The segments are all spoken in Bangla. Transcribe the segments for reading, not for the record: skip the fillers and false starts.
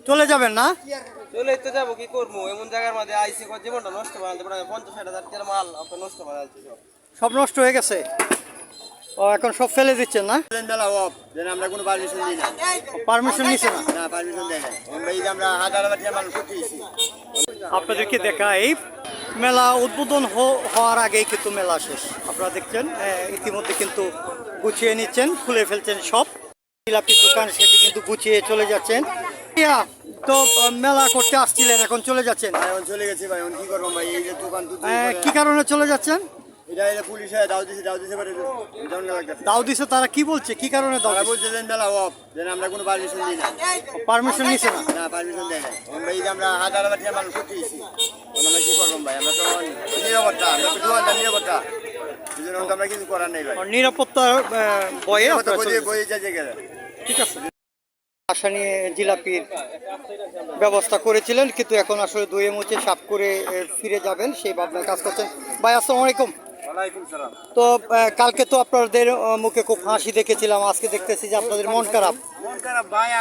চলে যাবেন না? চলে তো যাবো, কি করবো? এমন জায়গার মধ্যে আইসি জীবনটা নষ্ট বানাতে পারে 50-60 হাজার মাল আপনার নষ্ট বানাচ্ছে সব নষ্ট হয়ে গেছে। ও এখন সব ফেলে দিচ্ছেন না? মেলা অফ যেন আমরা কোনো পারমিশন দিই না। পারমিশন নিছে না? না, পারমিশন দেয় না। আমরা হাজার হাজার মানুষ করতেছি। আপনাদেরকে দেখাই মেলা উদ্বোধন হওয়ার আগেই কিন্তু মেলা শেষ। আপনারা দেখছেন ইতিমধ্যে কিন্তু গুছিয়ে নিচ্ছেন, খুলে ফেলছেন সব জিলাপির দোকান, সেটি কিন্তু গুছিয়ে চলে যাচ্ছেন। তো মেলা করতে আসছিলেন, এখন চলে যাচ্ছেন? এখন চলে গেছি ভাই, এখন কি করবো ভাই? এই যে দোকান কি কারণে চলে যাচ্ছেন? এটা পুলিশে দাও দিছে পারে দাও দিছে। তারা কি বলছে, কি কারণে দাও বলছে যে মেলা অফ যেন আমরা কোনো পারমিশন দিই না। পারমিশন নিছে না? না, পারমিশন দেয় না। আমরা হাজার হাজার মানুষ করতেছি। আমরা কি করবো ভাই? আমরা তো নিরাপত্তা, আমরা তো দোকানদার নিরাপত্তা, এই জন্য আমরা কিছু করার নেই ভাই। নিরাপত্তার বয়ে বই যাচ্ছে গেলে। ঠিক আছে। আশা নিয়ে জিলাপির ব্যবস্থা করেছিলেন, কিন্তু এখন আসলে ধুয়ে মুছে সাফ করে ফিরে যাবেন সেই ভাবনায় কাজ করছেন। ভাই আসসালামু আলাইকুম। তো কালকে তো আপনাদের মুখে খুব হাসি দেখেছিলাম, আজকে দেখতেছি যে আপনাদের মন খারাপ। ভাই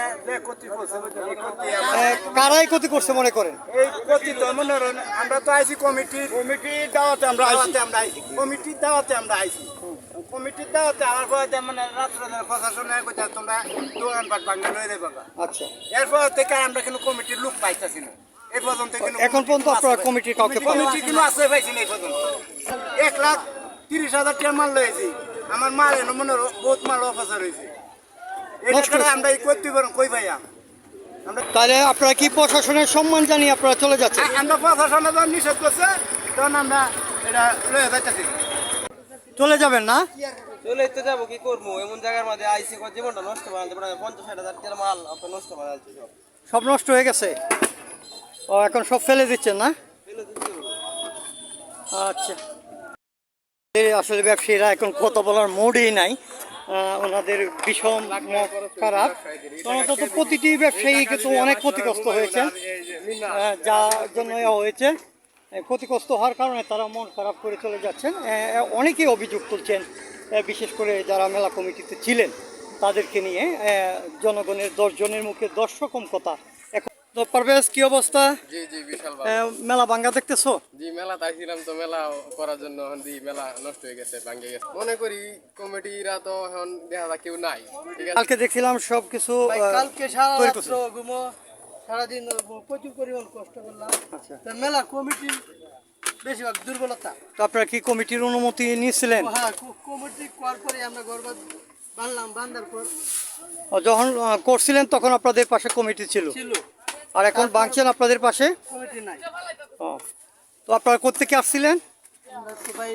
কারাই ক্ষতি করছে মনে করেন? এই ক্ষতি তো মনে করেন আমরা তো আইসি কমিটির দাওয়াতে আমরা আইসি কমিটির দাওয়াতে আমরা আইসি কমিটির দাওয়াতে আমার পরে মানে রাত্রে প্রশাসনের কথা তোমরা দোকানপাট ভাঙে লয়ে দেবে। আচ্ছা, এরপর থেকে আমরা কিন্তু কমিটির লোক পাইতেছি না এই পর্যন্ত। এখন পর্যন্ত আপনারা কমিটির কাউকে কমিটি কিন্তু আসলে পাইছি না এই পর্যন্ত। 1,30,000 টাকা মাল লয়েছি, আমার মাল এনে মনে বহুত মাল অফাসার হয়েছে। এটা আমরা করতে পারবো কই ভাইয়া? তাহলে আপনারা কি প্রশাসনের সম্মান জানিয়ে আপনারা চলে যাচ্ছেন? আমরা প্রশাসনে যখন নিষেধ করছে তখন আমরা এটা লয়ে যাইতেছি। চলে যাবেন না? চলে তো যাবো, কি করবো? এমন জায়গার মধ্যে আইসি জীবনটা নষ্ট বানাতে পারে 50-60 হাজার মাল আপনার নষ্ট বানাচ্ছে সব নষ্ট হয়ে গেছে। ও এখন সব ফেলে দিচ্ছেন না? আচ্ছা, আসলে ব্যবসায়ীরা এখন কথা বলার মুডই নাই, ওনাদের ভীষণ খারাপ। অন্তত প্রতিটি ব্যবসায়ী কিন্তু অনেক ক্ষতিগ্রস্ত হয়েছে, যার জন্য হয়েছে ক্ষতিগ্রস্ত হওয়ার কারণে তারা মন খারাপ করে চলে যাচ্ছেন। অনেকেই অভিযোগ তুলছেন, বিশেষ করে যারা মেলা কমিটিতে ছিলেন তাদেরকে নিয়ে। জনগণের 10 জনের মুখে 10 রকম কথা। এখন তো পারভেজ, কি অবস্থা? জি জি, বিশাল মেলা ভাঙ্গা দেখতেছো? জি, মেলা তাইছিলাম তো মেলা করার জন্য মেলা নষ্ট হয়ে গেছে, ভাঙ্গে গেছে। মনে করি কমিটিরা তো এখন দেখা যায় কেউ নাই। ঠিক আছে, কালকে দেখছিলাম সবকিছু কালকে সারা রাত্র ঘুমো, সারাদিন প্রচুর পরিমাণ কষ্ট করলাম। আচ্ছা, মেলা কমিটি বেশিরভাগ দুর্বলতা। তো আপনারা কি কমিটির অনুমতি নিয়েছিলেন? হ্যাঁ, কমিটি করার পরে আমরা ঘর বাঁধলাম, বাঁধার পর যখন করছিলেন তখন আপনাদের পাশে কমিটি ছিল, ছিল, আর এখন ভাঙছেন আপনাদের পাশে কমিটি নাই। তো আপনারা কোত্থেকে আসছিলেন? আমরা তো ভাই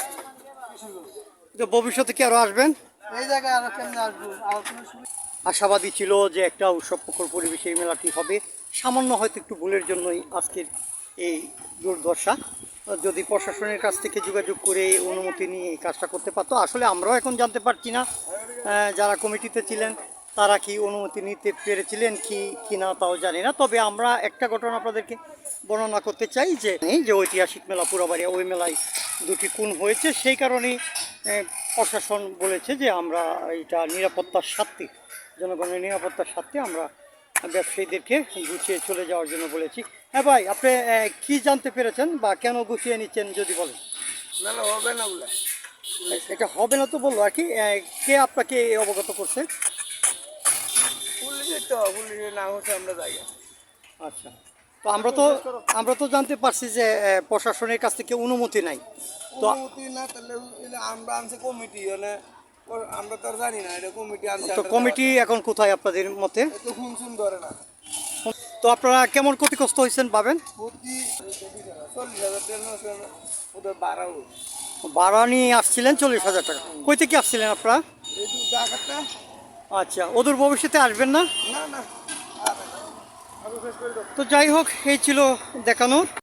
তো ভবিষ্যতে কি আরো আসবেন? এই জায়গায় আরো কেমনে আসবো? আর কোনো সুবিধা আশাবাদী ছিল যে একটা উৎসবমুখর পরিবেশে এই মেলাটি হবে। সামান্য হয়তো একটু ভুলের জন্যই আজকের এই দুর্দশা। যদি প্রশাসনের কাছ থেকে যোগাযোগ করে অনুমতি নিয়ে এই কাজটা করতে পারতো। আসলে আমরাও এখন জানতে পারছি না যারা কমিটিতে ছিলেন তারা কি অনুমতি নিতে পেরেছিলেন কি না তাও জানি না। তবে আমরা একটা ঘটনা আপনাদেরকে বর্ণনা করতে চাই, যে ঐতিহাসিক মেলা পুরাবাড়িয়া, ওই মেলায় 2টি খুন হয়েছে। সেই কারণেই প্রশাসন বলেছে যে আমরা এটা নিরাপত্তার স্বার্থে, জনগণের নিরাপত্তার স্বার্থে আমরা ব্যবসায়ীদেরকে গুছিয়ে চলে যাওয়ার জন্য বলেছি। হ্যাঁ ভাই, আপনি কি জানতে পেরেছেন বা কেন গুছিয়ে নিচ্ছেন যদি বলেন? মেলা হবে না বলে এটা হবে না তো বললো আর কি। কে আপনাকে অবগত করছে? পুলিশের তো, পুলিশের নাম হচ্ছে আমরা যাই। আচ্ছা, তো আমরা তো জানতে পারছি যে প্রশাসনের কাছ থেকে অনুমতি নাই। তো অনুমতি না, তাহলে আমরা আনছি কমিটি, মানে আমরা তো আর জানি না এটা কমিটি আনছে। তো কমিটি এখন কোথায় আপনাদের মতে? তো খুন শুন ধরে না। তো আপনারা কেমন ক্ষতিগ্রস্ত হয়েছেন পাবেন? প্রতি 40,000 টাকা ওদের বাড়াও। ভাড়া নিয়ে আসছিলেন 40,000 টাকা। কই থেকে আসছিলেন আপনারা? এই তো জায়গাটা। আচ্ছা, ওদের ভবিষ্যতে আসবেন না? না না, তো যাই হোক, এই ছিল দেখানোর।